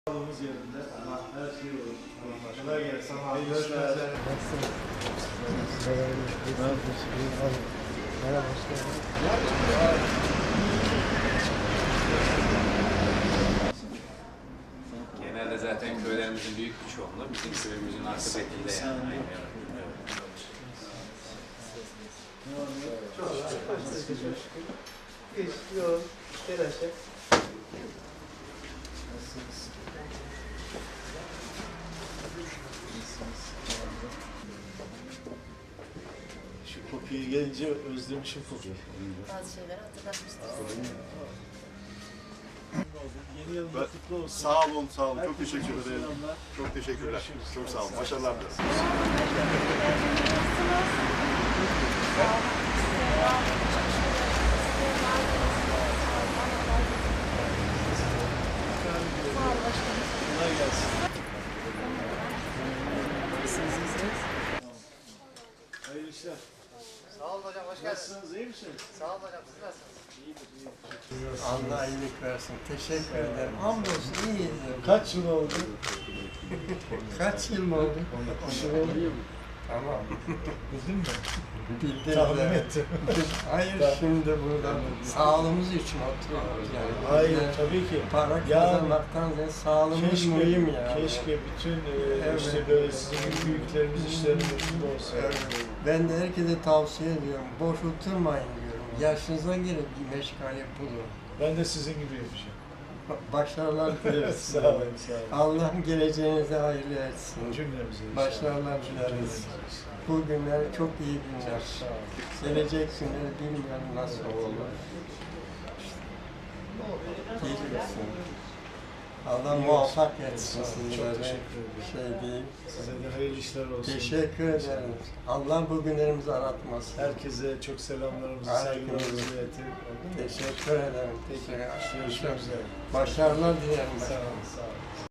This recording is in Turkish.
Sağlığımız yerinde ama her şey olur. Kolay gelsin. Görüşmek üzere. Merhaba, hoş geldiniz. Genelde zaten köylerimizin büyük bir çoğunluğu bizim köyümüzün akıbetinde yani. Çok şükür. Hiç yok, telaş et. Şu kokuyu gelince özlemişim kokuyu. Bazı şeyleri hatırlatmıştır. Yeni yılınız kutlu olsun. Sağ olun, sağ olun. Çok Herkese teşekkür çok ederim. selamlar. Çok teşekkürler. Görüşürüz. Çok sağ olun. Başarılar dileriz. Kolay gelsin. Hayırlı işler. Sağ olun hocam, hoş geldiniz. Nasılsınız, iyi misiniz? Sağ olun hocam, siz nasılsınız? İyidir, iyidir. Allah iyilik versin. Teşekkür ederim. Hamdolsun iyiyiz. Kaç yıl oldu? Kaç yıl mı oldu? 10 yıl oldu. Tamam. Bildin mi? Bildim Tahmin de. ettim. Hayır şimdi burada sağlığımız için oturuyoruz yani. Hayır, Bizde tabii ki. para Yani kazanmaktan ziyade sağlığımız mühim ya. Keşke bütün Evet. işte böyle sizin gibi büyüklerimiz işlerinde mutlu olsa. Evet. Ben de herkese tavsiye ediyorum. Boş oturmayın diyorum. Yaşınıza göre bir meşgale bulun. Ben de sizin gibiyim. Başarılar dileriz. Sağ olun, sağ olun. Allah geleceğinize hayırlı etsin. Cümlemize inşallah. Başarılar dileriz. Bu günler çok iyi günler. Sağ olun. Gelecek günler bilmiyorum nasıl olur. Gelirsin. Allah muvaffak etsin Çok sizlere. teşekkür ederim. Şey değil. Size de hayırlı işler olsun. Teşekkür ederim. Allah bu günlerimizi aratmasın. Herkese çok selamlarımızı, Aleyküm saygılarımızı selam. iletin. Oldu mu? Teşekkür ederim. Peki, Teşekkür görüşmek üzere. Başarılar dilerim. Sağ olun, sağ olun.